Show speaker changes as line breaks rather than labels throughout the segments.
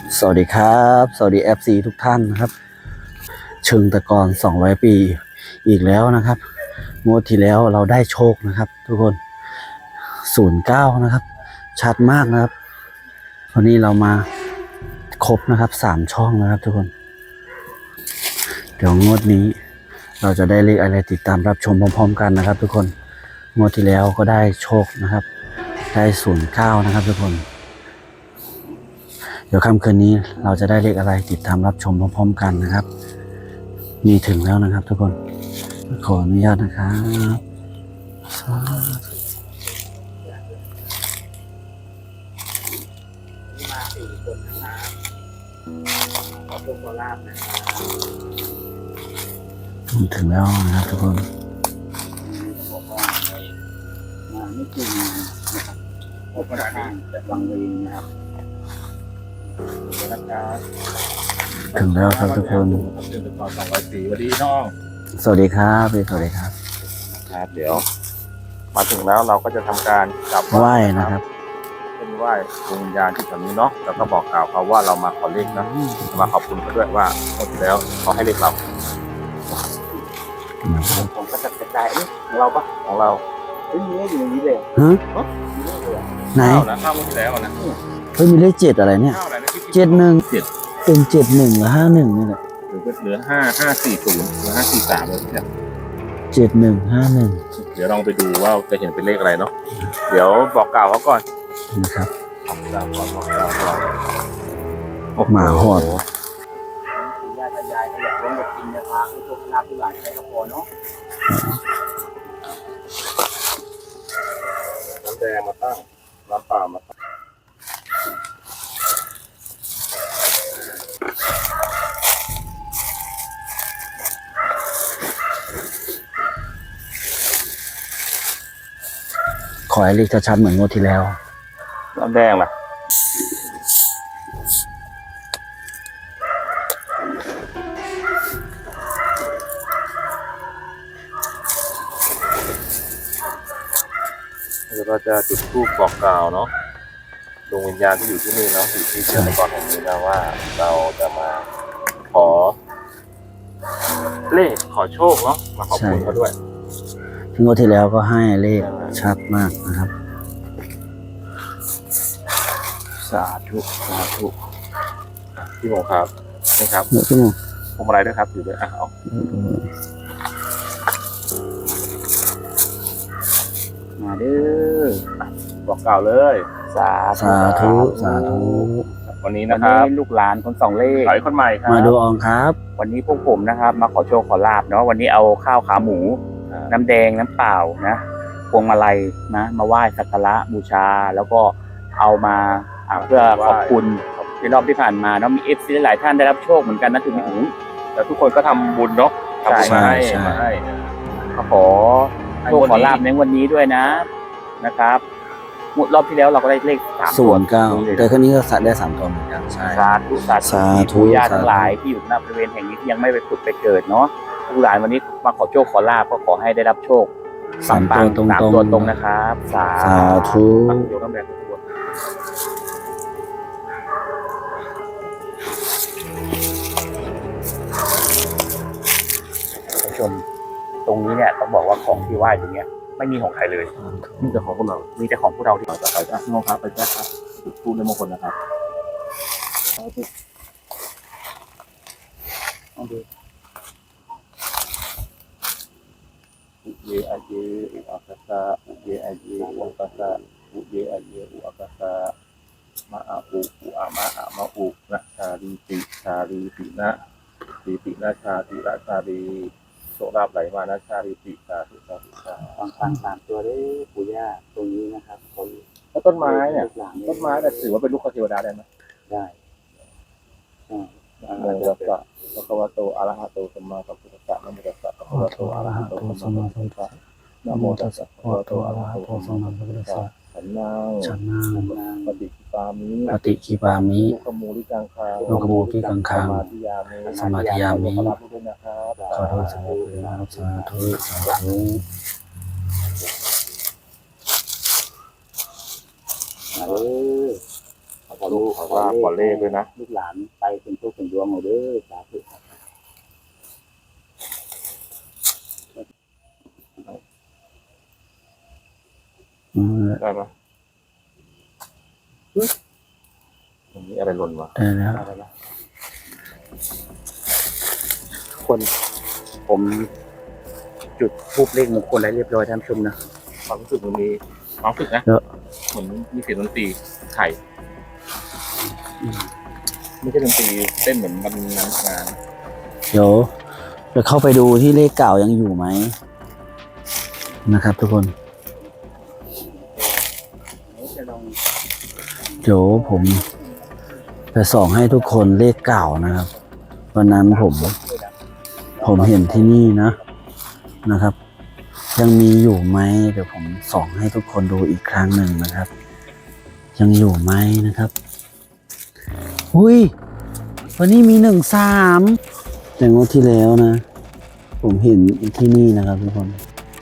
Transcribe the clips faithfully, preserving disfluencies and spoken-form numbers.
สวัสดีครับสวัสดี เอฟ ซี ทุกท่านนะครับเชิงตะกอนสองร้อยปีอีกแล้วนะครับงวดที่แล้วเราได้โชคนะครับทุกคนศูนย์เก้านะครับชัดมากนะครับวันนี้เรามาครบนะครับสามช่องนะครับทุกคนเดี๋ยวงวดนี้เราจะได้เลขอะไรติดตามรับชมพร้อมๆกันนะครับทุกคนงวดที่แล้วก็ได้โชคนะครับได้ศูนย์เก้านะครับทุกคนเดี๋ยวค่ำคืนนี้เราจะได้เลขอะไรติดตามรับชมพร้อมๆกันนะครับมีถึงแล้วนะครับทุกคนขออนุญาตนะครับมาสี่คนนะครับขอโชคขอลาภนะครับถึงแล้วนะครับทุกคนบอกว่ามาไม่จริงนะครับพบประธานแต่บางเวรนะครับถึงแล้วครับทุกคน
เดือนต่อสองร้อยสี่วันดีน้อง
สวัสดีครับสวัสดีครับ
ครับเดี๋ยวมาถึงแล้วเราก็จะทำการกราบ
ไหว้นะครับ
เป็นไหว้ดวงวิญญาณที่แถวนี้เนาะแล้วก็บอกกล่าวเขาว่าเรามาขอเลขนะมาขอบคุณเขาด้วยว่าหมดแล้วเขาให้เลขเราผมก็จะกระจายของเราปะของเรา
เฮ้ยมีเลขอยู่ในนี้เลยฮะไหน
นะข้าวหมดแล้วนะ
เฮ้ยมีเลขเจ็ดอะไรเนี่ยเจ็ดหนึ่งเจ็ดเป็นเจ็ดหนึ่งหรือห้าหนึ่งนี่แหละ
หรือเหลือห้าห้าสี่ศูนย์หรือห้าสี่สามเลยเนี่ย
เจ็ดหนึ่งห้าหนึ่ง
เดี๋ยวลองไปดูว่าจะเห็นเป็นเลขอะไรเนาะเดี๋ยวบอกกล่าวเขาก่อน
นะครับ
บอกกล่าวก่อนบอกกล่าวก่อน
หมาหอด
ยายยายก็อยากร่วมกับกินนะคะผู้ชมลาผู้หลานใช้กระโปรงเนาะน้ำแดงมาตั้งน้ำเปล่ามาตั้ง
ขอให้เลขชัดๆเหมือนงวดที่แล้ว
น้ำแดงล่ะเดี๋ยวเราจะจุดธูปบอกกล่าวเนาะดวงวิญญาณที่อยู่ที่นี่เนาะอยู่ที่เชื่อมก่อนแห่งนี้นะว่าเราจะมาขอเลขขอโชคเนาะมาขอบคุณเขาด้วย
ที่งวดที่แล้วก็ให้เลขชัดมากนะครับ
สาธุสาธุพี่โมครับนี่ครับ
พี่โม
พวงมาลัยด้วยครับอยู่ด้วยอ่ะเอา
มาเด้อ
บอกกล่าวเลย
สาธุสาธุ
วันนี้นะครับ
ลูกหลานคนสองเลข
หลายคนใหม่ครับ
มาดูอองครับ
วันนี้พวกผมนะครับมาขอโชคขอลาบเนาะวันนี้เอาข้าวขาหมูน้ำแดงน้ำเปล่านะพวงมาลัยนะมาไหว้สักการะบูชาแล้วก็เอามาเพื่อขอบคุณในรอบที่ผ่านมาเนาะมีเอฟซีหลายท่านได้รับโชคเหมือนกันนะถึงพี่อู๋
แล้วทุกคนก็ทำบุญเนาะทำบุญมาให้มาให้
ขอโชคขอลาบในวันนี้ด้วยนะนะครับรอบที่แล้วเราก็ได้เลขสาม
ศูนย์เก้าแต่ครั้งนี้ก็สัตว์ได้สามตัวเหมือนกัน
ใช่สาธุสาธุญาติทั้งหลายที่อยู่ณบริเวณแห่งนี้ที่ยังไม่ไปผุดไปเกิดเนาะผู้หลานวันนี้มาขอโชคขอลาบก็ขอให้ได้รับโชค
สามตัวตรง
สามตัวตรงนะครับสา
ธุ
โยกน้ำแดงตัว
ผู้ชมตรงนี้เนี่ยต้องบอกว่าของที่ไหว้ตรงเนี้ยไม่มีของใครเลย
มีแต่ของพวกเรา
มีแต่ของพวกเราที่
ต่อไปอ่ะน้องครับไปแจ้ครับพูดในมงคลนะครับ
ลองดู
อุเยอเยอุอักษะอุเยอเยอุอักษะอุเยอเยอุอักษะมะอาอุอุอามะอามะอุนะชาลีติชาลีตินะติตินะชาติระชาลีโสราบไหลมานะชาลีติสาธุสาธุสาธุ
ฟังฟังตามตัวได้ปู่ย่าตรงนี้นะครับคน
แล้วต้นไม้เนี่ยต้นไม้เนี่ยถือว่าเป็นลูกเทวดาได้ไหม
ได้
นะโมตัสสะภะคะวะโตอะระหะโตสัมมาสัมพุทธัสสะนะโมตัสสะภะคะวะโตอะระหะโตสัมมาสัมพุทธัสสะนะโมตัสสะภะคะวะโตอะระหะโตสัมมาสัมพุทธัสสะฉันนัง
ฉันนั
งปฏิปามิ
ปฏิคีปามิ
โลกมูลิกังคา
โลกมูลิกังคา
สมาธิยามิ
สมาธิยามิ
ขอรับด้วยนะครับ
ขอโทษสาธุสาธุสาธุ
เออ
ขอลูกขอลาบขอเลขด้วยนะ
ลูกหลานไปเป็นผู้เป็นดวงเอาเด้อสาธุ
อืม
ได้ไหมตรงนี้อะไรหล่นวะ
ได้แล้ว
ได้แล้ว
คนผมจุดทูบเลขมงคลอะไรเรียบร้อยท่านผู้ชมนะ
ความรู้สึกมันมีความรู้สึกนะเหมือนมีเสียงดนตรีไข่ไม่ใช่ดนตรีเต้นเหมือนมันงานงาน
เดี๋ยวจะเข้าไปดูที่เลขเก่ายังอยู่ไหมนะครับ ทุกคน เดี๋ยวผมจะส่องให้ทุกคนเลขเก่านะครับวันนั้นผม ผมเห็นที่นี่นะนะครับ ยังมีอยู่ไหมเดี๋ยวผมส่องให้ทุกคนดูอีกครั้งหนึ่งนะครับ ยังอยู่ไหมนะครับอุ้ยวันนี้มีหนึ่งสามแต่งวดที่แล้วนะ ผมเห็นที่นี่นะครับทุกคน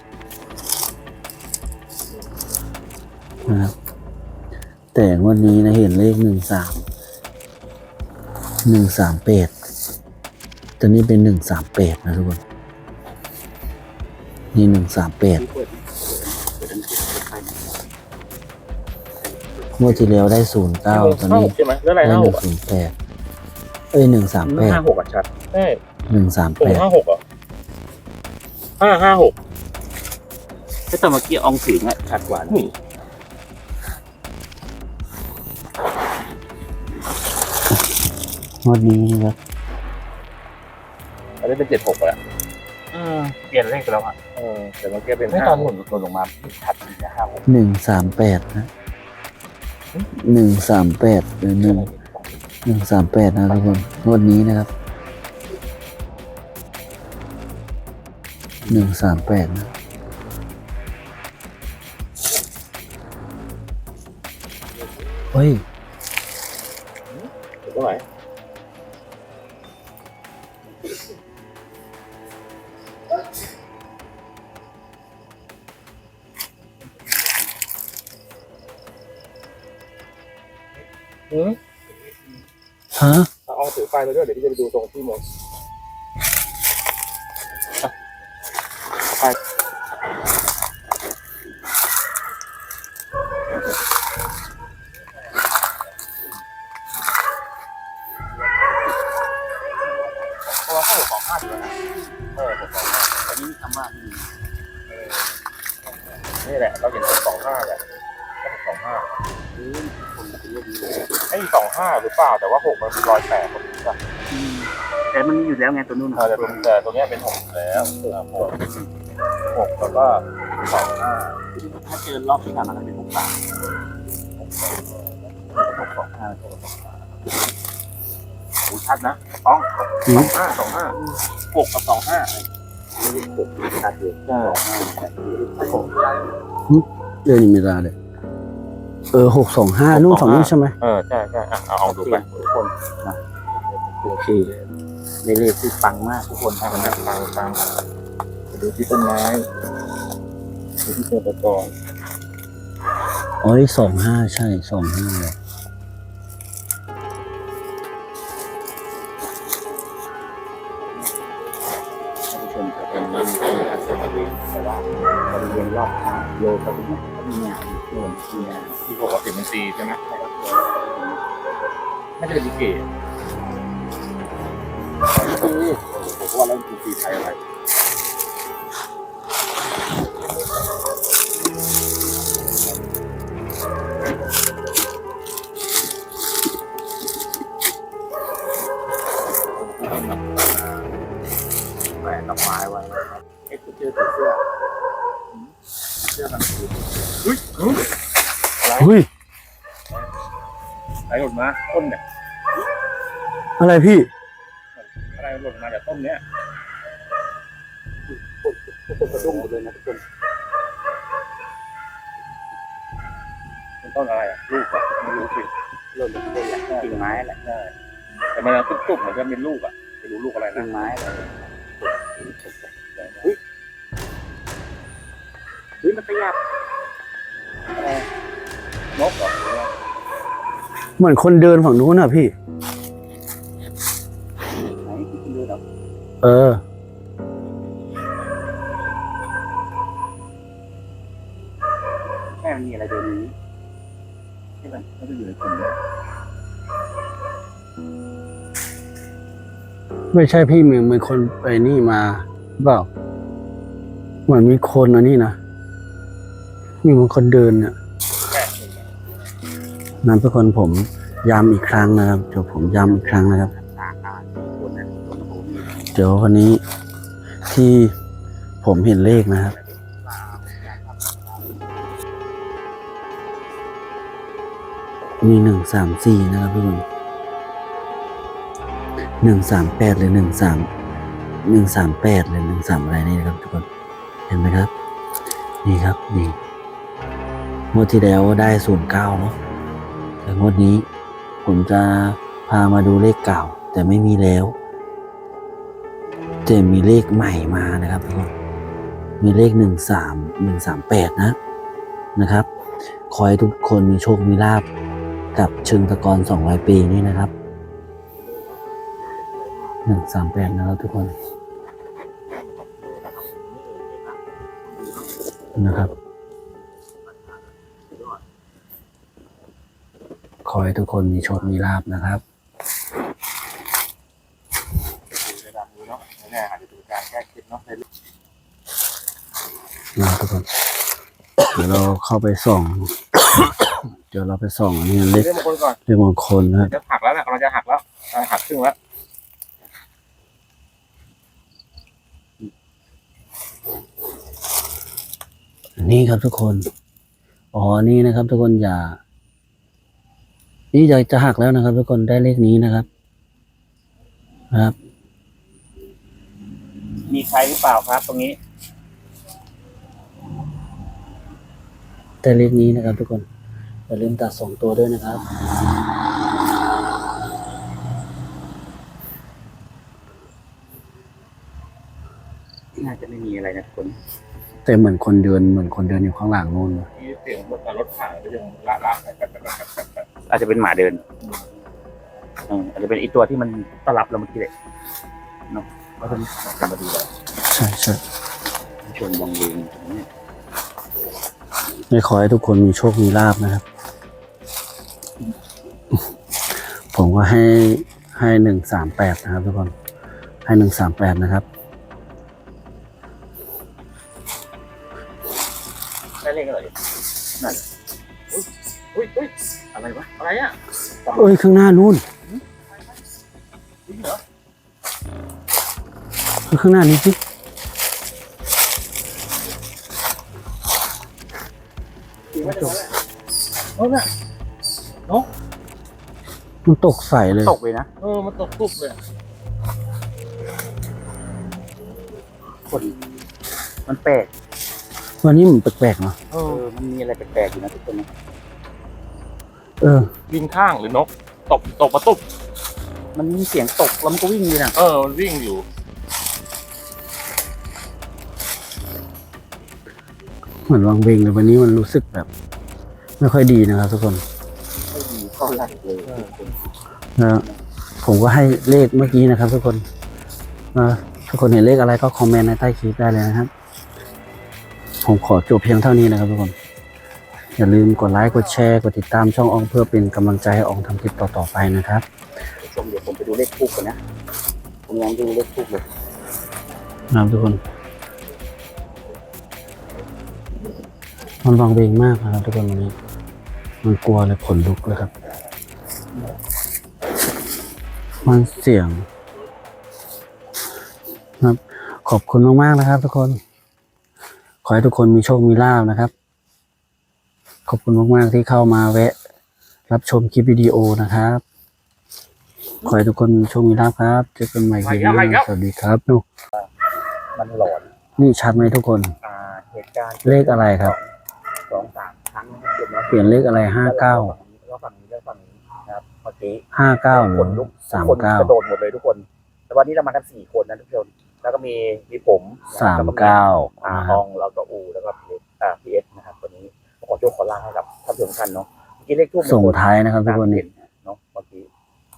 นะครับแต่งวดนี้นะเห็นเลขหนึ่งสามหนึ่งสามแปดตอนนี้เป็นหนึ่งสามแปดนะทุกคนนี่หนึ่งสามแปดเมื่อที่แล้วได้ศูนย์เก้าตอนนี้
ใช่ไหมแล้วอะไร
ได้
ห้า
ห
ห
นึ่
ก
งศูนย์แปดเอ้ยหนึ่งสามแปด
ห้าหกอ่ะชัดใช่
หนึ่งสาม
ตร
แป
ง
ด
ห้าหกอ่ะห้าห้าหก
ถ้าตอนเมื่อกี้อองถึงอ่ะชัดกว่านะ
นี่
งวดนี้นะครับ
อันนี้เป็นเจ็ดหกอ่ะ
เออเปลี่ยนเลขไปแล้วอ่ะ
เออแต่เมื่อกี้เป็น
ไม่
ห้า
ตอน
ห
ห
ก
ล่นหล่นลงมาชัดนะห้าหก
หนึ่งสามแปดนะหนึ่งสามแปดหรือหนึ่งหนึ่งสามแปดนะทุกคนงวดนี้นะครับหนึ่งสามแปดนะเฮ้ย
ถูกเท่าไหร่อืม
ฮะ
เอาถือไฟไปด้วยเดี๋ยวพี่จะไปดูตรงที่หมดไป เพราะว่าข้าวสองห้าอยู่แล้วนะเออผมสองห้า
อันนี้คำว่า
นี่แหละเราเห็นสองห้าแหละก็สองห้า
อืมคนเป็นเลขนี้เลย
ไอ้สองห้าหรือเปล่าแต่ว่าหกมันเป็นรอยแตกคนนี้ป่ะ
อืมแต่มันมีอยู่แล้วไงตัวนู้น
เออแต่ตัวแต่ตัวเนี้ยเป็นหกอยู่แล้วเออหกหกแล้วก็สองห้า
ถ้าเจอรอบที่ผ่านมาจะเป็นหกสามหกสองห้าหกสองห้า
โอ้ชัดนะต้องสองห้าสองห้าหกกับสองห้า
หกชัดเลย
ใช่
เดือนนี้มีราเลยเออหกสองห้านู่นฝั่งนู้นใช่ไหม
เออใช่ใช่อ่ะเอาเอาดูไป
ทุกคนนะโอเคในเลขที่ปังมากทุกคน
ฟังนะฟังฟังดูที่ต้นไม้ดูที่ตัวประกอบ
อ๋อนี่สองห้าใช่สองห้าเลย
ท่านผู้ชมครับเป็นมันเป็นอาชีพบริเวณแต่ว่าบริเวณรอบข้างโลก็เป็นก็มีงานโน่นมีงาน
ที่บอกว่าเสียงมันตีใช่ไหมไม่ใช่เป็นลิเกผมว่าแล้วเป็นตีไทยอะไรแปะดอกไม้ไว้
เอ็กซ์เจอร์เสื้อเสื้อมันคือ
เฮ้ยเฮ้ยอะไร
เฮ้ย
อะไรหล่นมาต้นเนี่ย
อะไรพี่
อะไรหล่นมาจากต้นเนี้ย
ทุกคนกระดุ้งหมดเลยนะทุกคน
เป็นต้นอะไรอ่ะลูกอ่ะไม่รู้สิ
หล่นลงไปแหละกิ่งไม้แหละ
ใช่แต่มันตุ๊บๆเหมือนจะเป็นลูกอ่ะไม่รู้ลูกอะไร
กิ่
นะ
งไม้แหละเฮ้ยมันขยับ
นกเหรอ
เหมือนคนเดินฝั่งนู้นน่ะพี่
ไหนที่คุณดูแบบ
เออ
แค่มันมีอะไรเดินนี้ใช่ไหมไม่ได้อยู่ในกลุ่มเลย
ไม่ใช่พี่เหมือนเหมือนคนไปนี่มาเปล่าเหมือนมีคนอันนี้นะมีเหมือนคนเดินเนี่ยนั้นทุกคนผมย้ำอีกครั้งนะครับเดี๋ยวผมย้ำอีกครั้งนะครับ
อ่าอ่าคนนั้นคนโอ้มี
เดี๋ยววันนี้ที่ผมเห็นเลขนะครับ มีหนึ่งสามสี่นะครับทุกคนหนึ่งสามแปดหรือหนึ่งสามหนึ่งสามแปดหรือหนึ่งสามอะไรนี่นะครับทุกคนเห็นไหมครับ นี่ครับนี่งวดที่แล้วได้ศูนย์เก้าเนาะแต่งวดนี้ผมจะพามาดูเลขเก่าแต่ไม่มีแล้วจะมีเลขใหม่มานะครับทุกคนมีเลขหนึ่งสามหนึ่งสามแปดนะนะครับขอให้ทุกคนมีโชคมีลาภกับเชิงตะกอนสองร้อยปีนี้นะครับหนึ่งสามแปดนะครับทุกคนนะครับขอให้ทุกคนมีโชคมีลาภนะครับ
ในดังนี้เนาะแน่อาจจะเป็นการแก้เคล็ดเนาะในเรื่อง
นะทุกคน เดี๋ยวเราเข้าไปส่อง เดี๋ยวเราไปส่องอันนี้เลข
เรื่องมงคลก่อน
เลขมงคลนะครับ
จะหักแล้วนะเราจะหักแล้วเราหักครึ่งแล้ว
นี่ครับทุกคนอ๋อนี่นะครับ ทุกคนอย่า นี่จะจะหักแล้วนะครับ ทุกคนได้เลขนี้นะครับนะครับ
มีใครหรือเปล่าครับ ตรงนี้
ได้เลขนี้นะครับ ทุกคนอย่าลืมตัดสองตัวด้วยนะครับ
น่าจะไม่มีอะไรนะทุกคน
แต่เหมือนคนเดินเหมือนคนเดินอยู่ข้างหลังนู่นนะ
มีเสียงรถรถผ่านก็ยังละละกันกันกันกัน
อาจจะเป็นหมาเดินเอออาจจะเป็นอีตัวที่มันต้อนรับเราเมื่อกี้เลยเนาะก็จะกันมาดูแล้ว
ใช่ใช่
ชวนวังเวงเนี่ย
ไม่ขอให้ทุกคนมีโชคมีลาภนะครับ ผมก็ให้ให้หนึ่งสามแปดนะครับ ทุกคนให้หนึ่งสามแปดนะครับ
ได้เลขอะไรนั่นอุ้ยอุ้ยอะไรวะอะไรอ่ะ
เอ้ยข้างหน้านู่น
จริงเหรอ
ข้างหน้านี้สิ
จริงว่าจะโอ้น่ะ
มันตกใส่เลย
ตกเลยนะ
เออมันตกตุบเลย
คนมันแปลก
วันนี้มันแปลกๆเนาะ
เอ
เอ
อ
อมันมีอะไรแปลกๆอยู่นะทุกคนนะ
เออ
บินข้างหรือนกตกตกมาตุบ
มันมีเสียงตกแล้วมันก็วิ่งเลยนะ
เออมันวิ่งอยู่
เหมือนวังเวงเลยวันนี้มันรู้สึกแบบ ไม่ค่อยดีนะครับ ทุกคน
ไม่ดีเท่าไหร่เลยทุกคน
นะผมก็ให้เลขเมื่อกี้นะครับ ทุกคนนะทุกคนเห็นเลขอะไรก็คอมเมนต์ในใต้คลิปได้เลยนะครับ ผมขอจบเพียงเท่านี้นะครับ ทุกคน อย่าลืมกดไลค์กดแชร์กดติดตามช่องอองเพื่อเป็นกำลังใจให้อองทำคลิปต่อๆไปนะครับ
ชมเดี๋ยวผมไปดูเลขทูบกันนะผมยังดูเลขทูบเลย
นะครับทุกคน มันวังเวงมากนะครับ ทุกคนวันนี้ มันกลัวเลยขนลุกเลยครับ มันเสียงครับ ขอบคุณมากๆนะครับ ทุกคน ขอให้ทุกคนมีโชคมีลาภนะครับ ขอบคุณมากๆที่เข้ามาแวะ รับชมคลิปวิดีโอนะครับ ขอให้ทุกคนมีโชคมีลาภครับ เจอกันใหม่คลิปหน้าสวัสดีครับนู่น
มันหลอน
นี่ชัดไหมทุกคน
อ่าเหตุการณ์
เลขอะไรครับ
สองสามครั้งนะครับเก็บแล้ว
เปลี่ยนเลขอะไรห้าเก้า
แล้วฝั่งนี้แล้วฝั่งนี้นะครับเมื่อกี้
ห้าเก้าหรื
ค
อน
ลุก
สาม
คน
เก้าก
ระโดดหมดเลยทุกคน แต่วันนี้เรามากันสี่คนนะทุกคนแล้วก็มีมีผม
สามเก้า
อา
นะค
ฮ
รับ
องแล้วก็อูแล้วก็พีอ่าพีเอสนะครับวันนี้ขอโชคขอลาให้กับท่านผู้ชมทุกท่านเนาะเมื่อกี้เลขทูบ
ส่งท้ายนะครับทุกคนนี่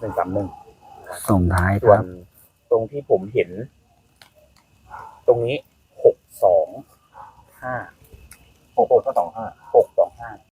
นึ่งสามหนึ่ง
ส่งท้ายค
ส่วน
รับ
ตรงที่ผมเห็น ตรงนี้หกสองห้า
หกหกก็สองห้า
หกสองห้า